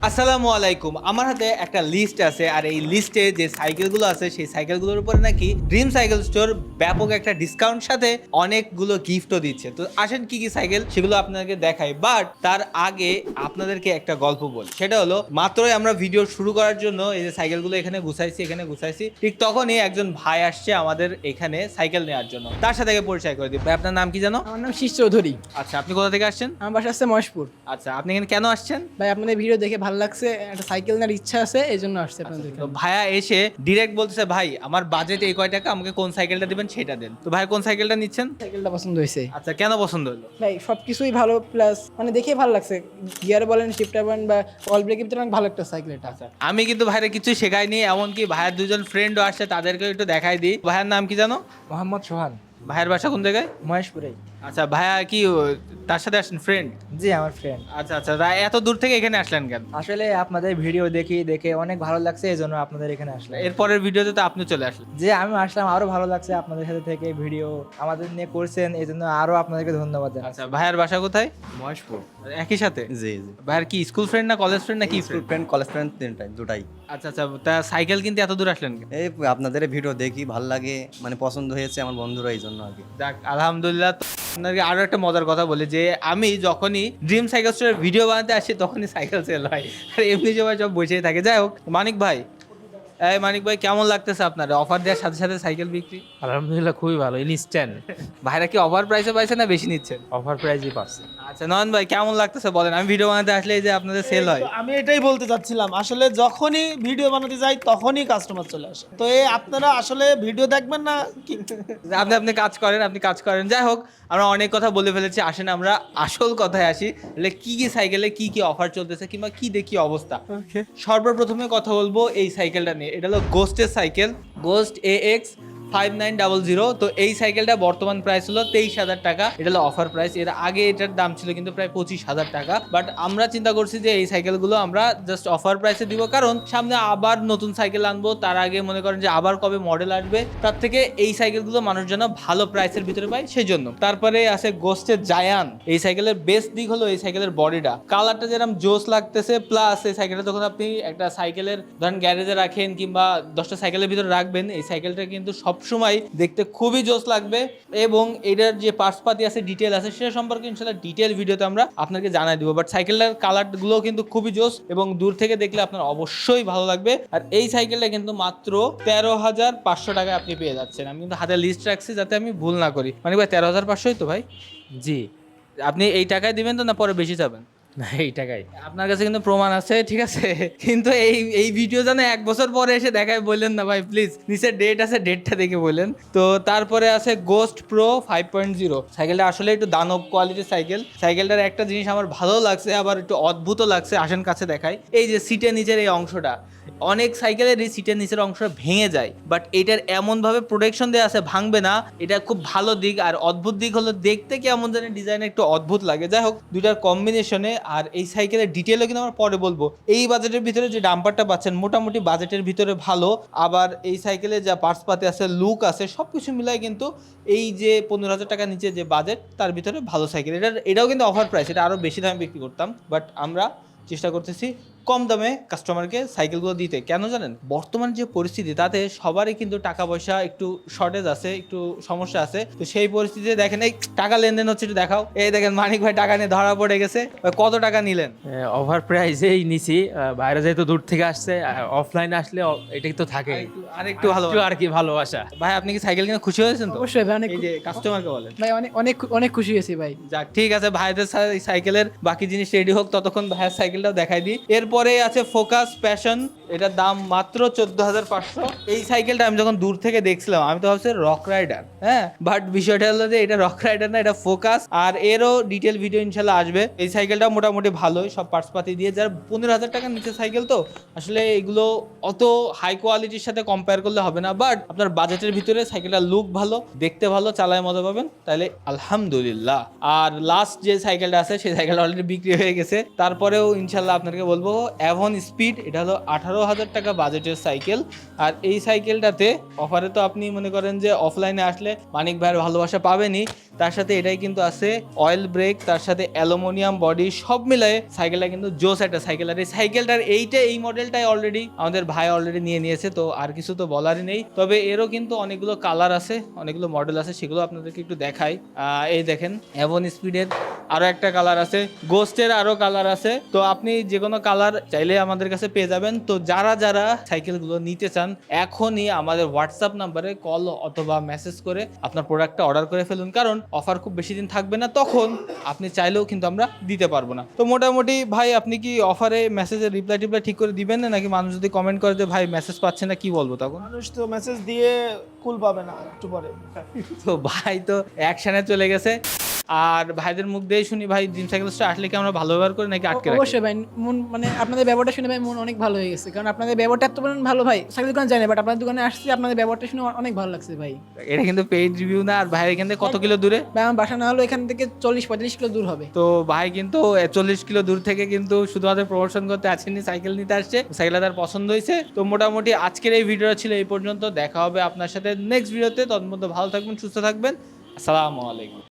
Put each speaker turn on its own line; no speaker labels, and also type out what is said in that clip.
আসসালামু আলাইকুম। আমার হাতে একটা লিস্ট আছে, আর এই লিস্টে যে সাইকেলগুলো আছে সেই সাইকেলগুলোর উপরে নাকি ড্রিম সাইকেল স্টোর ব্যাপক একটা ডিসকাউন্ট সাথে অনেকগুলো গিফটও দিচ্ছে। তো আসেন কি কি সাইকেল সেগুলো আপনাদেরকে দেখাই, বাট তার আগে আপনাদেরকে একটা গল্প বলি। সেটা হলো, মাত্রই আমরা ভিডিও শুরু করার জন্য এই যে সাইকেলগুলো এখানে গুছাইছি, ঠিক তখনই একজন ভাই আসছে আমাদের এখানে সাইকেল নেওয়ার জন্য। তার সাথে আগে পরিচয় করে দিই। ভাই, আপনার নাম কি জানো?
আমার নাম শীষ চৌধুরী।
আচ্ছা, আপনি কোথা থেকে আসছেন?
আমার বাসা আছে মহেশপুর।
আচ্ছা, আপনি এখানে কেন আসছেন?
ভাই আপনাদের ভিডিও দেখে ভালো লাগছে, একটা সাইকেল নেওয়ার ইচ্ছা আছে, এই জন্য আসছে আপনাদের
তো ভাইয়া এসে ডিরেক্ট বলতেছে, ভাই আমার বাজেট এই কয় টাকা, আমাকে কোন সাইকেলটা দিবেন সেটা দেন। তো ভাই কোন সাইকেলটা নিচ্ছেন?
সাইকেলটা পছন্দ হয়েছে।
আচ্ছা, কেন পছন্দ হলো?
ভাই সবকিছুই ভালো, প্লাস মানে দেখে ভালো লাগছে, গিয়ার বলেন, শিফটার বলেন বা অল ব্রেকের ভিতরে অনেক ভালো একটা সাইকেল এটা।
আমি কিন্তু ভাইরা কিছুই শেখাইনি, এমনকি ভাইয়ের দুজন ফ্রেন্ডও আসছে, তাদেরকে একটু দেখাই দিই। ভাইয়ের নাম কি জানো?
মোহাম্মদ সোহান,
ভাইয়ের বাসা কোন জায়গায়?
মহেশপুরেই।
আচ্ছা, ভাইয়া কি তার সাথে আসছেন ফ্রেন্ড?
জি আমার ফ্রেন্ড।
আচ্ছা আচ্ছা, এত দূর থেকে এখানে আসলেন কেন?
আসলে আপনাদের ভিডিও দেখে অনেক ভালো লাগছে, এই জন্য আপনাদের এখানে আসলাম।
এরপরের ভিডিওতে তো আপনি চলে আসলেন।
যে আমি আসলাম, আরো ভালো লাগছে আপনাদের সাথে থেকে ভিডিও আমাদের নিয়ে করছেন, এই জন্য আরো আপনাদেরকে ধন্যবাদ জানাচ্ছি।
আচ্ছা, ভাইয়ের বাসা কোথায়?
মহেশপুর।
একই সাথে?
জি জি।
ভাইয়ের কি স্কুল ফ্রেন্ড না কলেজ ফ্রেন্ড না কি
school
friend?
Friend, college friend, তিনটাই দুটাই।
আচ্ছা আচ্ছা, তা সাইকেল কিনতে এত দূর আসলেন কেন?
এই আপনাদের ভিডিও দেখি ভাল লাগে, মানে পছন্দ হয়েছে আমার বন্ধুরা, এই জন্য আর কি।
যাক, আলহামদুলিল্লাহ। তো আপনাকে আরো একটা মজার কথা বলি, যে আমি যখনই ড্রিম সাইকেল স্টোরের ভিডিও বানাতে আসি তখনই সাইকেল সেল হয়, আর এমনি সবাই সব বসেই থাকে। যাই হোক, মানিক ভাই, এই মানিক ভাই, কেমন লাগতেছে আপনার অফার দেওয়ার সাথে সাথে সাইকেল বিক্রি?
আলহামদুলিল্লাহ খুবই ভালো, ইনস্ট্যান্ট
ভাইরা কি অফার প্রাইসে পাইছে না বেশি নিচ্ছেন?
অফার প্রাইজই পাচ্ছে।
আচ্ছা, নয়ন ভাই কেমন লাগতেছে বলেন? আমি ভিডিও বানাতে আসলে এই যে আপনাদের সেল হয়।
তো আমি এটাই বলতে চাচ্ছিলাম, আসলে যখনই ভিডিও বানাতে যাই তখনই কাস্টমার চলে আসে। তো এই আপনারা আসলে ভিডিও দেখবেন না কি?
আপনি আপনি কাজ করেন। যাই হোক, আমরা অনেক কথা বলে ফেলেছি, আসেন আমরা আসল কথায় আসি। কি কি সাইকেলে কি কি অফার চলতেছে কিংবা কি দেখি অবস্থা। সর্বপ্রথমে কথা বলবো এই সাইকেলটা নিয়ে। এটা হলো গোস্টের সাইকেল, গোস্ট AX5900। তো এই সাইকেলটা বর্তমান প্রাইস হলো 23,000 টাকা। এটা হলো অফার প্রাইস। এর আগে এটার দাম ছিল কিন্তু প্রায় 25,000 টাকা। বাট আমরা চিন্তা করছি যে এই সাইকেলগুলো আমরা জাস্ট অফার প্রাইসে দিব, কারণ সামনে আবার নতুন সাইকেল আনবো, তার আগে মনে করেন যে আবার কবে মডেল আসবে, তার থেকে এই সাইকেলগুলো মানুষ যেন ভালো প্রাইসের ভিতরে পায় সেই জন্য। তারপরে আছে গোস্টের জায়ান। এই সাইকেলের বেস্ট দিক হলো এই সাইকেলের বডিটা, কালারটা যেরকম জোস লাগতেছে, প্লাস এই সাইকেলটা যখন আপনি একটা সাইকেলের ধরেন গ্যারেজে রাখেন কিংবা 10টা সাইকেলের ভিতরে রাখবেন, এই সাইকেলটা কিন্তু সবসময় দেখতে খুবই জোস লাগবে। এবং এটার যে পার্টসপাতি আছে, ডিটেল আছে, সেটা সম্পর্কে ইনশাল্লাহ ডিটেল ভিডিওতে আমরা আপনাকে জানাই দিব। বাট সাইকেলটার কালারগুলো কিন্তু খুবই জোস এবং দূর থেকে দেখলে আপনার অবশ্যই ভালো লাগবে। আর এই সাইকেলটা কিন্তু মাত্র 13,500 টাকায় আপনি পেয়ে যাচ্ছেন। আমি কিন্তু হাতে লিস্ট রাখছি যাতে আমি ভুল না করি। মানে ভাই 13,500ই তো ভাই?
জি,
আপনি এই টাকায় দিবেন তো, না পরে বেশি যাবেন?
না এই টাকাই।
আপনার কাছে কিন্তু প্রমাণ আছে, ঠিক আছে? কিন্তু এই এই ভিডিও যেন 1 বছর পরে এসে দেখায় বললেন না ভাই, প্লিজ। নিচে ডেট আছে, ডেটটা দেখে বললেন। তো তারপরে আছে গোস্ট প্রো 5.0। সাইকেলটা আসলে একটু দানব কোয়ালিটির সাইকেল। সাইকেলটার একটা জিনিস আমার ভালো লাগছে, আবার একটু অদ্ভুত লাগছে, আসেন কাছে দেখাই। এই যে সিটের নিচের এই অংশটা, অনেক সাইকেলের এই সিটের নিচের অংশটা ভেঙে যায়, বাট এটার এমনভাবে প্রোটেকশন দেওয়া আছে, ভাঙবে না। এটা খুব ভালো দিক। আর অদ্ভুত দিক হলো দেখতে কেমন জানি ডিজাইন একটু অদ্ভুত লাগে। যাই হোক, দুইটার কম্বিনেশনে। আর এই সাইকেলের ডিটেলও কিন্তু আমরা পরে বলবো। এই বাজেটের ভিতরে যে ডাম্পারটা পাচ্ছেন মোটামুটি বাজেটের ভিতরে ভালো। আবার এই সাইকেলে যা পার্টসপাতি আছে, লুক আছে, সব কিছু মিলাই কিন্তু এই যে 15,000 টাকার নিচে যে বাজেট, তার ভিতরে ভালো সাইকেল। এটাও কিন্তু অফার প্রাইস, এটা আরও বেশি দামে বিক্রি করতাম, বাট আমরা চেষ্টা করতেছি কম দামে কাস্টমারকে সাইকেলগুলো দিতে। কেন জানেন? বর্তমান যে পরিস্থিতি, তাতে সবারই কিন্তু টাকা পয়সা একটু শর্টেজ আছে, একটু সমস্যা আছে। তো সেই পরিস্থিতিতে দেখেন এই টাকা লেনদেন হচ্ছে, একটু দেখাও। এই দেখেন মানিক ভাই টাকা নিয়ে ধরা পড়ে গেছে। কত টাকা নিলেন?
ওভার প্রাইসেই নিছি, বাইরে যেহেতু দূর থেকে আসছে, অফলাইনে আসলে এটাই তো থাকে,
আরেকটু ভালো
আর কি ভালোবাসা।
ভাই, আপনি কি সাইকেল কিনে খুশি হয়েছেন তো?
অবশ্যই ভাই, অনেক
এই যে কাস্টমারকে বলেন।
ভাই অনেক অনেক অনেক খুশি হয়েছি ভাই।
যাক, ঠিক আছে, ভাইদের সাইকেলের বাকি জিনিস রেডি হোক, ততক্ষণ ভাইয়ের সাইকেলটাও দেখাই দিই। এরপরে আছে ফোকাস প্যাশন। এটার দাম মাত্র 14,500। এই সাইকেলটা আমি যখন দূর থেকে দেখছিলাম আমি তো ভাবছি রক রাইডার, হ্যাঁ, বাট বিষয়টা হলো যে এটা রক রাইডার না, এটা ফোকাস। আর এরও ডিটেল ভিডিও ইনশাল্লাহ আসবে। এই সাইকেলটা মোটামুটি ভালোই, সব পার্টসপাতি দিয়ে। যারা 15,000 টাকার নিচে সাইকেল, তো আসলে এগুলো অত হাই কোয়ালিটির সাথে কম্পেয়ার করলে হবে না। বাট আপনার বাজেটের ভিতরে সাইকেলটা লুক ভালো, দেখতে ভালো, চালায় মজা পাবেন, তাহলে আলহামদুলিল্লাহ। আর লাস্ট যে সাইকেলটা আছে সেই সাইকেলটা অলরেডি বিক্রি হয়ে গেছে। তারপরেও ইনশাল্লাহ আপনাকে বলবো অ্যাভন স্পিড। এটা হলো 18 12,000 টাকা বাজেটের সাইকেল। আর এই সাইকেলটাতে অফারে তো আপনি মনে করেন যে অফলাইনে আসলে মানিক ভাইয়ের ভালোবাসা পাবেনই, তার সাথে এটাই কিন্তু আছে অয়েল ব্রেক, তার সাথে অ্যালুমিনিয়াম বডি, সব মিলায়ে সাইকেলটা কিন্তু জোস একটা সাইকেল। আর এই সাইকেলটার এই মডেলটাই অলরেডি আমাদের ভাই অলরেডি নিয়েছে, তো আর কিছু তো বলারই নেই। তবে এরও কিন্তু অনেকগুলো কালার আছে, অনেকগুলো মডেল আছে, সেগুলো আপনাদেরকে একটু দেখাই। এই দেখেন অ্যাভন স্পিডের আরো একটা কালার আছে, গোস্টের আরো কালার আছে। তো আপনি যে কোনো কালার চাইলে আমাদের কাছে পেয়ে যাবেন। তো যারা যারা সাইকেলগুলো নিতে চান এখনই আমাদের হোয়াটসঅ্যাপ নাম্বারে কল অথবা মেসেজ করে আপনার প্রোডাক্টটা অর্ডার করে ফেলুন, কারণ অফার খুব বেশি দিন থাকবে না, তখন আপনি চাইলেও কিন্তু আমরা দিতে পারবো না। তো মোটামুটি ভাই আপনি কি অফারে মেসেজের রিপ্লাই ঠিক করে দিবেন না, নাকি মানুষ যদি কমেন্ট করে যে ভাই মেসেজ পাচ্ছে না, কি বলবো তখন?
মানুষ তো মেসেজ দিয়ে কুল পাবে না একটু পরে।
তো ভাই তো অ্যাকশনে চলে গেছে। আর ভাইদের মুখ দিয়ে শুনি ভাই ড্রিম সাইকেল স্টোর আসলে কি আমরা ভালো ব্যবহার করি নাকি আটকে রাখি?
অবশ্যই ভাই, মন মানে আপনাদের ব্যবহারটা শুনে ভাই মন অনেক ভালো হয়ে গেছে, কারণ আপনাদের ব্যবহারটা এত ভালো ভাই, সাইকেল দোকানে যাই না বাট আপনাদের দোকানে আসছি, আপনাদের ব্যবহারটা শুনে অনেক ভালো লাগছে ভাই।
এটা কিন্তু পেইড রিভিউ না। আর ভাইয়ের এখান থেকে কত কিলো দূরে?
ভাই আমার বাসা না হলো এখান থেকে 40-45 কিলো দূর হবে।
তো ভাই কিন্তু 40 কিলো দূর থেকে কিন্তু শুধুমাত্র প্রমোশন করতে আসেনি, সাইকেল নিতে আসছে, সাইকেলটা তার পছন্দ হয়েছে। তো মোটামুটি আজকের এই ভিডিওটা ছিল এই পর্যন্ত। দেখা হবে আপনার সাথে নেক্সট ভিডিওতে, ততক্ষণ ভালো থাকবেন, সুস্থ থাকবেন। আসসালামু আলাইকুম।